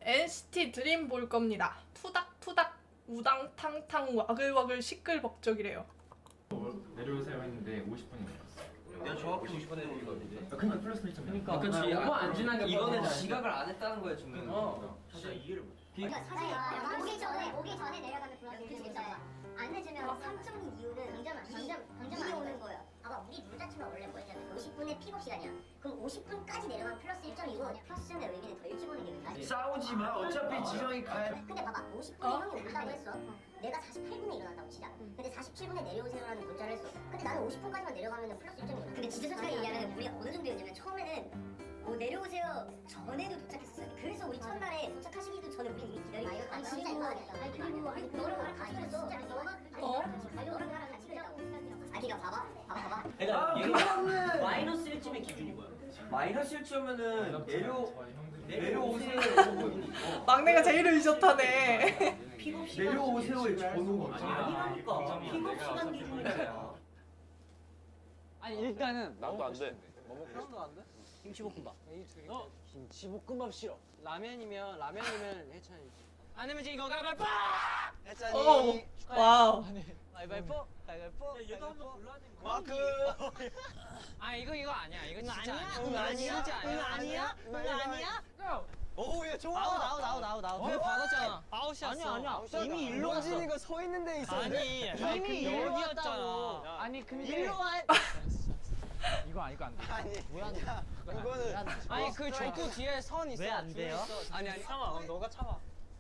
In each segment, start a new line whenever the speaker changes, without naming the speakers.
NCT 드림 볼 겁니다. 투닥투닥 우당탕탕 와글와글 시끌벅적이래요.
내려오세요 했는데 50분이 넘었어.
내가 정확히 50분에 오거든요.
근데 플러스 1점.
그러니까
그치.
안 지나게
이거는 지각을 안 했다는 거야 지금.
진짜 이해를 못.
그러니까 사실 오기 전에 내려가면 플러스 1점 있어요. 안 늦으면 3점인 이유는 당점이 오는 거예요. 봐봐, 우리 룰 자체가 원래 뭐였냐면 50분의 픽업 시간이야. 그럼 50분까지 내려가면 플러스 1점이고 플러스 1점의 의미는 더 일찍 오는 게 의미야.
싸우지 마. 어차피 지정이 가야.
근데 봐봐, 50분에 형이 온다고 했어. 내가 48분에 일어난다고 치자. 근데 47분에 내려오세요라는 문자를 했어. 근데 나는 50분까지만 내려가면 플러스 1점이거든. 근데 진짜 솔직하게 얘기하면 우리가 어느 정도였냐면 처음에는 뭐 내려오세요 전에도 도착했었어요. 그래서 우리 첫날에 도착하시기도 전에 우리 이미 기다리고 있었어. 아니 진짜 이거 아니 그리고 너랑 같이 그랬어. 너가 너랑 나랑 같이 그랬다고. 아니 그러니까 봐봐.
그러니까 얘가 마이너스 1점의 기준이 뭐야?
마이너스 1점면은 내려오세요.
막내가 제일 의젓하네.
픽업 시간
내려오세요의 전후가
아니라니까. 픽업 시간 기준이잖아.
아니 일단은
나도 안 돼.
하나도 안 돼? 김치볶음밥. 김치볶음밥 싫어. 라면이면 해찬이. 아니면 지금 이거 가위바위보. 해찬이.
와우.
가위바위보. 얘도 한번 불러야지. 마크. 아 이거 아니야. 이거 진짜 아니야. 진짜 아니야. 오야 좋아. 나오. 왜 받았잖아. 아웃이었어. 아니야. 이미 일로 갔어. 이거 서 있는 데 있어. 아니 이미 여기였잖아. 아니 근데 일로 와. 이거 안 돼. 아니 왜 안 돼? 이거는 아니 그 족구 뒤에 선 있어. 왜 안 돼요? 아니 참아. 너가 참아.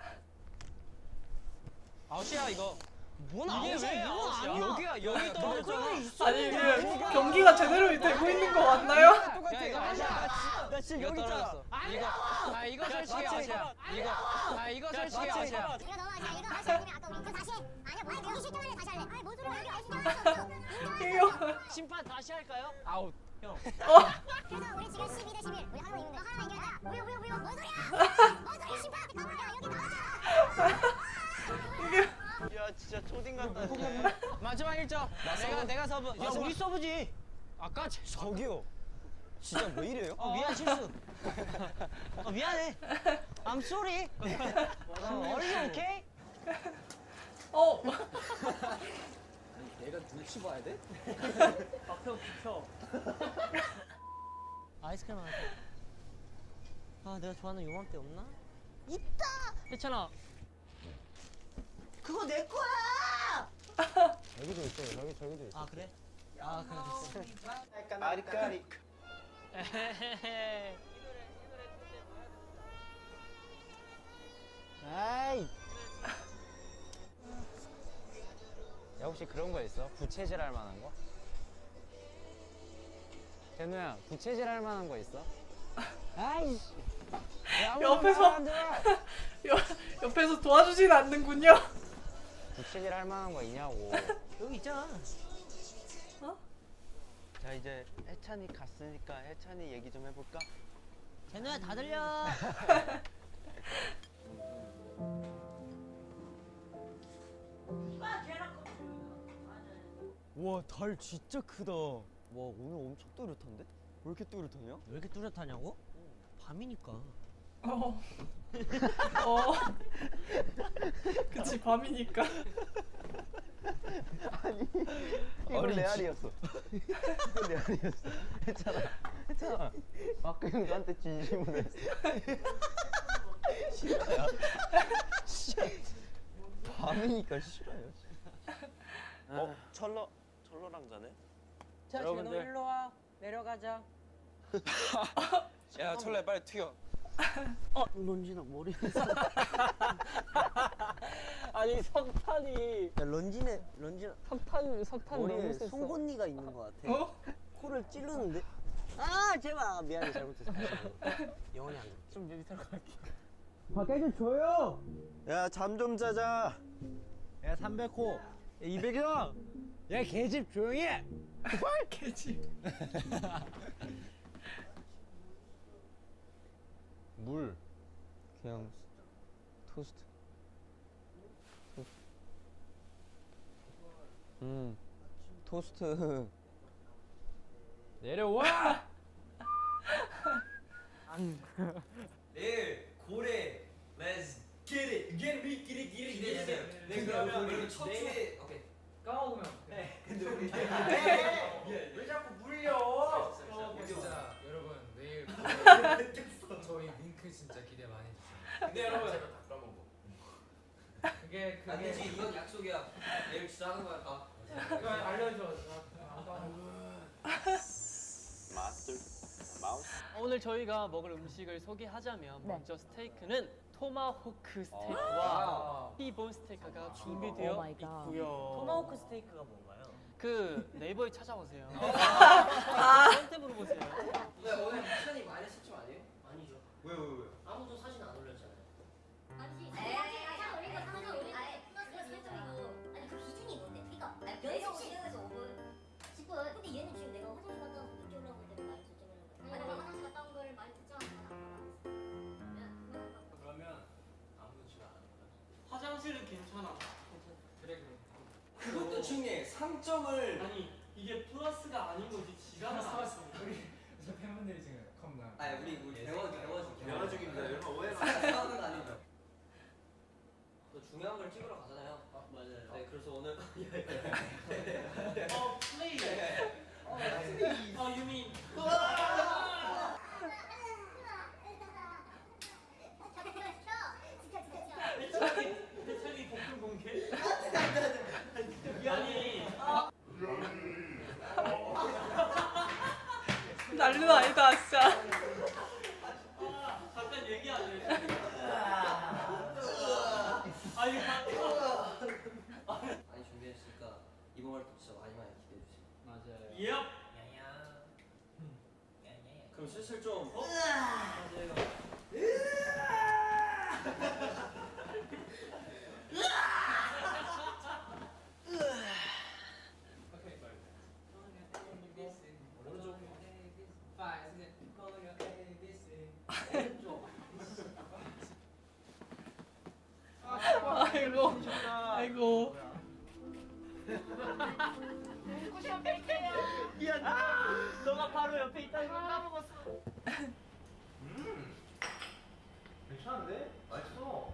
아웃이야 이거. 뭔 아웃이야? 이건 아니야. 여기 떨어져.
아니 이게 경기가 제대로 되고 있는 거 맞나요?
야 이거 아니야. 나 지금 여기 있잖아. 이거 솔직히 아웃이야. 이거 솔직히 아웃이야.
이거 너무 아니야. 이거 다시 아니면 아까 우리 이거 다시 해. 아니야, 뭐 여기 실점 할래 다시 할래. 아니 뭔 소리야? 여기 아웃 인정할 수 없어.
이거
심판 다시 할까요? 아웃. 형.
그래서 우리 지금 12대 11. 우리 하나만 이기면 돼. 하나만 이겨야 돼. 뭐야? 뭔 소리야? 심판한테 가버려. 여기 나왔잖아.
야 진짜 초딩 같다.
마지막 1점. 내가 서브. 야 우리 서브지. 아까 저기요. 진짜 왜 이래요? 미안 실수. 미안해. I'm sorry. Are you okay? 내가 눈치 봐야 돼? 앞에 비켜. 아이스크림 하나. 아 내가 좋아하는 요맘때 없나? 있다. 했잖아. 그거 내 거야.
여기도 있어요. 저기도 있어.
아 그래? 아 그래 됐어.
아리까리.
아이.
야 혹시 그런 거 있어? 부채질 할 만한 거? 제노야 부채질 할 만한 거 있어?
아이씨.
옆에서 도와주진 않는군요.
부채질 할 만한 거 있냐고.
여기 있잖아.
자 이제 해찬이 갔으니까 해찬이 얘기 좀 해볼까?
제노야 다 들려.
와 달 진짜 크다. 와 오늘 엄청 또렷한데? 왜 이렇게 또렷하냐?
왜 이렇게 뚜렷하냐고? 밤이니까.
그치 밤이니까.
이건 레알이었어. 이건 레알이었어. 했잖아. 마크 형 너한테 진심으로 했어. 싫어요. 밤이니까 싫어요. 철러랑 자네?
자 제노 일로 와. 내려가자.
야 철래 빨리 튀어.
런진아 머리. 아니 석탄이. 야 런진아 석탄
머리에 송곳니가 있는 것 같아.
코를 찌르는데. 아 제발. 미안해 잘못했어. 영원히 안 돼. 좀 밑으로 갈게. 밖에 좀 줘요.
야 잠 좀 자자.
야 300호. 야 200형. 야 개집 조용히 해.
개지.
물.
그냥 토스트. 토스트.
내일 고래
우리 첫 주에 오케이.
까먹으면
네. 근데 우리
왜 자꾸 물려?
진짜 여러분 내일 저희 링크 진짜 기대 많이 해주세요.
근데 여러분 제가 다 까먹어. 그게
안 되지 이건 약속이야. 내일 진짜 하는 거야 다.
그거 알려줘.
마스터 마우스.
오늘 저희가 먹을 음식을 소개하자면 먼저 스테이크는 토마호크
아.
스테이크와 티본 스테이크가 준비되어
오 마이 갓.
있고요.
토마호크 스테이크가 뭔가요?
그 네이버에 찾아보세요.
아.
저한테 물어보세요.
왜 오늘 미션이 마이너스 10점 아니에요? 아니죠.
왜?
아무도 사진 안 올렸잖아요.
아니지. 사진 올린 거 사진 올린 거. 아예 플러스 설정이고. 아니 그 기준이 뭔데? 그러니까 연속 10분에서 5분, 10분. 근데 얘는 지금 내가 화장실 갔다 와서 늦게 올라온 걸 때문에 많이 설정을 한 거야. 아니 내가 화장실 갔다 온 걸 많이 설정하잖아.
그러면 아무도 지금 안 하는 거야?
화장실은 괜찮아.
그래.
그것도 중요해. 3점을
아니 이게 플러스가 아닌 거지. 지가 나왔어.
우리 저 팬분들이 지금 컴나.
아니 우리 대화 중입니다.
여러분 오해가
싸우는 거 아니죠? 또 중요한 걸 찍으러 가잖아요. 맞아요. 네 그래서 오늘
플레이. 유민. 배철이 복근 공개. 아니.
난리도 아니다 진짜.
잠깐 얘기 안 해. 아니
많이 준비했으니까 이번 활동 진짜 많이 기대해 주세요.
맞아요. 예.
그럼 슬슬 좀
아이고. 아이고.
너가 바로 옆에 있다는 걸 까먹었어.
괜찮은데? 맛있어.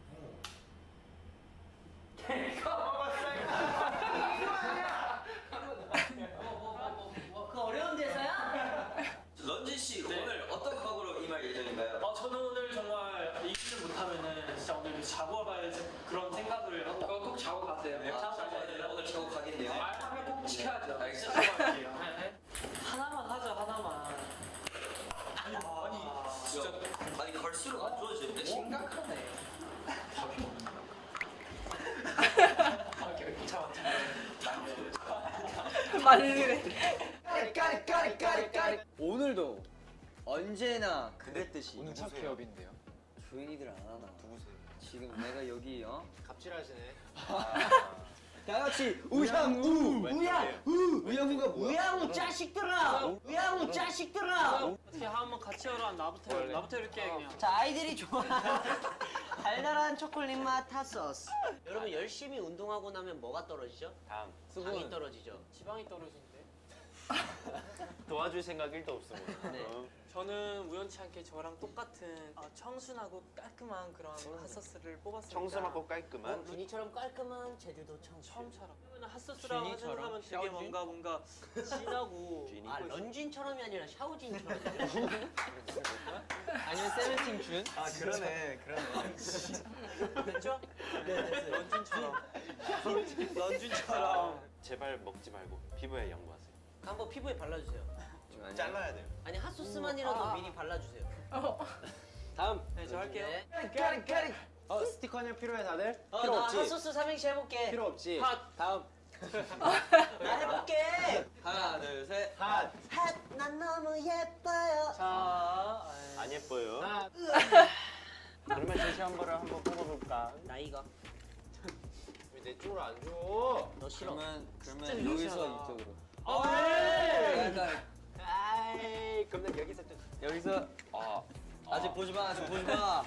그 어려운 대사야? 런쥔 씨 오늘 어떤 각오로 임할 예정인가요?
저는 오늘 정말 이기를 못하면은 진짜 오늘 자고 가야지 그런 생각을 하고 꼭 자고 가세요.
오늘 자고 가겠네요.
말하면 꼭 지켜야죠.
알겠습니다.
하나만 하자 하나만.
아니 갈수록 안 좋아지는데? 심각하네.
말리네.
오늘도 언제나 그랬듯이
오늘 첫 개업인데요.
조인이들 안 하나. 누구세요? 지금 내가 여기
갑질하시네.
다 같이 우양우 우양우가 뭐야?
우양우 자식들아. 우양우 자식들아. 어떻게 한번 같이 하라. 나부터 이렇게 그냥.
자 아이들이 좋아하는 달달한 초콜릿 맛 핫소스. 여러분 열심히 운동하고 나면 뭐가 떨어지죠?
다음
당이 떨어지죠.
지방이 떨어지는데.
도와줄 생각 1도 없습니다.
네.
저는 우연치 않게 저랑 똑같은 청순하고 깔끔한 그런 핫소스를 뽑았습니다.
청순하고 깔끔한.
준이처럼 깔끔한 제주도 청춘.
처음처럼. 그러면 핫소스랑
쥐니처럼?
하면 되게
샤오진?
뭔가 진하고.
쥐니?
아 런쥔처럼이 아니라 샤오진처럼.
아니면 세븐틴 준?
아 그러네.
됐죠? 네, 됐어요. 런쥔처럼.
제발 먹지 말고 피부에 양보하세요.
한번 피부에 발라주세요.
잘라야 돼요.
아니 핫소스만이라도 미리 발라주세요.
다음.
네, 저 할게요.
스티커 하나 필요해 다들?
나
필요 없지?
핫소스 삼행시 해볼게.
필요 없지?
핫.
다음.
나 해볼게.
하나 둘 셋.
핫. 난 너무 예뻐요.
자,
안 예뻐요. 그러면 제시 한 번을 한번 뽑아볼까?
나이가.
왜 내 쪽으로 안 줘?
너 싫어.
그러면 여기서 이쪽으로.
아이 그럼 여기서 좀.
여기서 아직 보지 마. 아직 보지 마.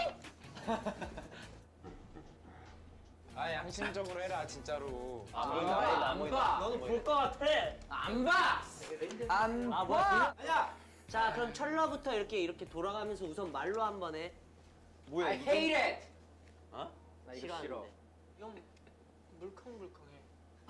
아 양심적으로 해라 진짜로.
안 봐. 너는 볼 것 같아. 안 봐.
안
아 뭐야? 자 그럼 철러부터 이렇게 돌아가면서 우선 말로 한번 해.
뭐야?
I hate it.
어? 나 이거 싫어.
싫어하는데.
형 물컹물컹해.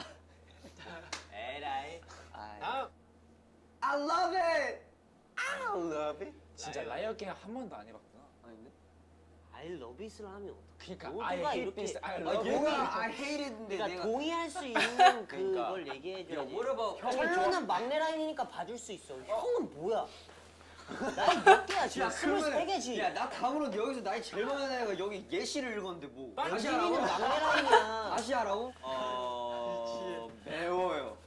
에라이.
아,
I love it. I love it.
진짜 라이어 게임 한 번도 안 해봤구나.
아닌데?
I love it을 하면 어떡해?
그러니까
모두가
I hate
이렇게
this, I
아,
love
얘가
it.
I hateed인데
그러니까
내가
동의할 수 있는
그러니까.
그걸 얘기해줘야지.
야, what about
철로는 막내 라인이니까 봐줄 수 있어. 형은 뭐야? 나이 몇 개야 지금? 23개지.
야, 나 다음으로 여기서 나이 제일 많은 애가 여기 예시를 읽었는데 뭐. 다시
연진이는
하라고?
막내 라인이야.
다시 하라고? 매워요.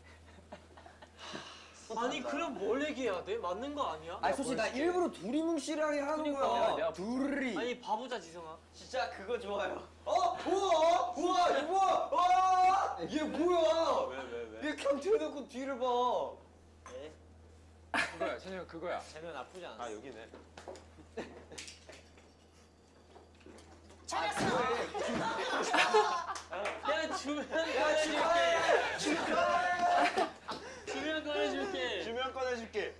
아니 그럼 뭘 얘기해야 돼? 맞는 거 아니야?
아니 솔직히 나 일부러 둘이 뭉실하게 하는
그러니까.
거야.
내가
둘이.
아니 바보자 지성아.
진짜 그거 좋아요. 우와, 우와, 이거 뭐야? 와, 얘 뭐야?
왜?
얘 그냥 대놓고 뒤를 봐.
네.
그거야, 찬영 그거야.
쟤는 나쁘지 않아.
아 여기네.
야 주면 꺼내줄게. 주면 꺼내줄게.
주면 꺼내줄게.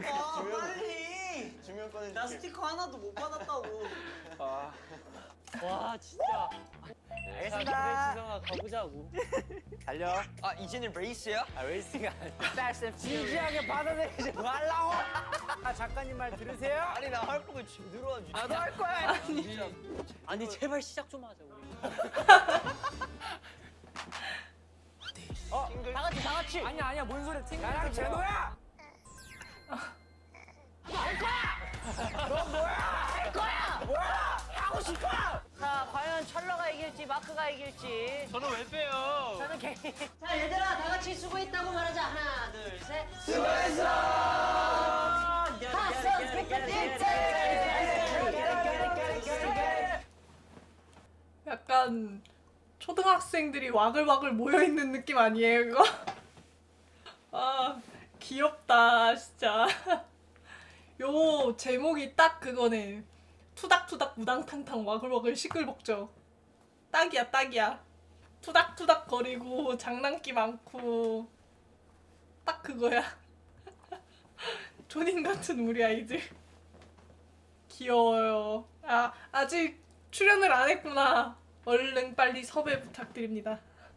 빨리.
주면 꺼내줄게.
나 스티커 하나도 못 받았다고.
아,
와 진짜. 알겠습니다. 지성아 가보자고.
달려.
아, 이제는 레이스야?
아 레이싱이 아니야.
진지하게 받아들이지 말라고. 아 작가님 말 들으세요?
아니 나 할 거면 제대로 하지.
나도 할 거야. 아니 제발 시작 좀 하자 우리. 다 같이 다 같이. 아니야 뭔 소리야. 나랑 제노야.
자, 과연 철러가 이길지 마크가 이길지.
저는 왜 빼요?
저는 개인.
자 얘들아 다 같이 수고했다고 말하자. 하나 둘 셋.
약간 초등학생들이 와글와글 모여있는 느낌 아니에요 이거? 아 귀엽다 진짜. 요 제목이 딱 그거네. 투닥투닥 우당탕탕 와글와글 시끌벅적. 딱이야 딱이야. 투닥투닥 거리고 장난기 많고 딱 그거야. 존인 같은 우리 아이들. 귀여워요. 아 아직 출연을 안 했구나. 얼른 빨리 섭외 부탁드립니다.